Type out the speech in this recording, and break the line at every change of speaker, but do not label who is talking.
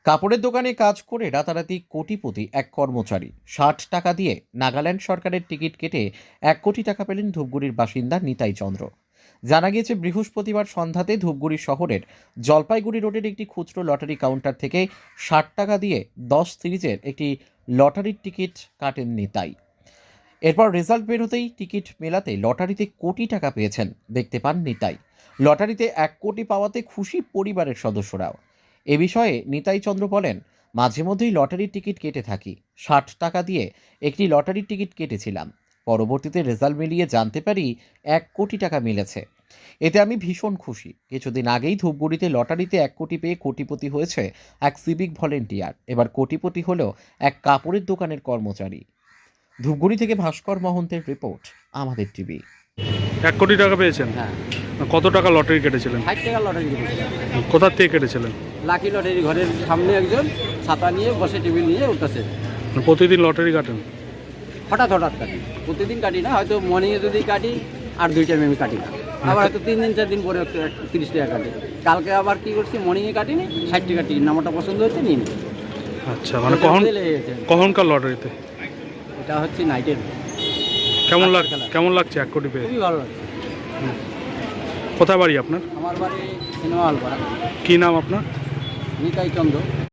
কাপড়ের দোকানে কাজ করে রাতারাতি কোটিপতি এক কর্মচারী 60 টাকা দিয়ে নাগাল্যান্ড সরকারের টিকিট কেটে 1 কোটি টাকা পেলেন ধূপগুড়ির বাসিন্দা নিতাই চন্দ্র। জানা গিয়েছে বৃহস্পতিবার সন্ধ্যাতে ধূপগুড়ি শহরের জলপাইগুড়ি রোডের একটি খুচরো লটারি কাউন্টার থেকে 60 টাকা দিয়ে 10 সিরিজের একটি লটারির টিকিট কাটেন নিতাই। এরপর রেজাল্ট বের হতেই টিকিট মেলাতে লটারিতে কোটি টাকা পেয়েছেন দেখতে পান নিতাই। লটারিতে 1 কোটি পাওয়াতে খুশি পরিবারের সদস্যরাও। এ বিষয়ে নিতাই চন্দ্র বলেন, মাঝে মধ্যেই লটারির টিকিট কেটে থাকি। 60 টাকা দিয়ে একটি লটারির টিকিট কেটেছিলাম। পরবর্তীতে রেজাল্ট মিলিয়ে জানতে পারি 1 কোটি টাকা মিলেছে। এতে আমি ভীষণ খুশি। কিছুদিন আগেই ধূপগুড়িতে লটারিতে 1 কোটি পেয়ে কোটিপতি হয়েছে এক সিভিক ভলেন্টিয়ার। এবার কোটিপতি হলো এক কাপড়ের দোকানের কর্মচারী। ধূপগুড়ি থেকে ভাস্কর মহন্তের রিপোর্ট, আমাদের টিভি।
1 কোটি টাকা পেয়েছেন?
হ্যাঁ,
কত টাকা লটারি কেটেছিলেন?
60 টাকা লটারি কেটেছিলাম।
কোথা থেকে কেটেছিলেন?
লাকি লটারি ঘরের সামনে একজন ছাতা নিয়ে বসে টেবিল নিয়ে উঠতেছে।
প্রতিদিন লটারি কাটেন?
হঠাৎ হঠাৎ কাটি, প্রতিদিন কাটি না, হয়তো মর্নিংয়ে যদি কাটি আর 2 টাইমে আমি কাটি না। আবার হয়তো 3 দিন 4 দিন পরে 30 টাকা কাটি। কালকে আবার কি করছি, মর্নিংয়ে কাটিনি, 60 টাকা টিকিট নাম্বারটা পছন্দ হচ্ছে নিয়ে নিই।
আচ্ছা, মানে কখনকার লটারিতে?
এটা হচ্ছে নাইটের।
কেমন লাগছে 1 কোটি পেয়ে?
খুবই ভালো লাগছে।
কোথায় বাড়ি আপনার?
আমার বাড়ি সিনেমা হল পাড়া।
কি নাম আপনার?
নিতাই চন্দ্র।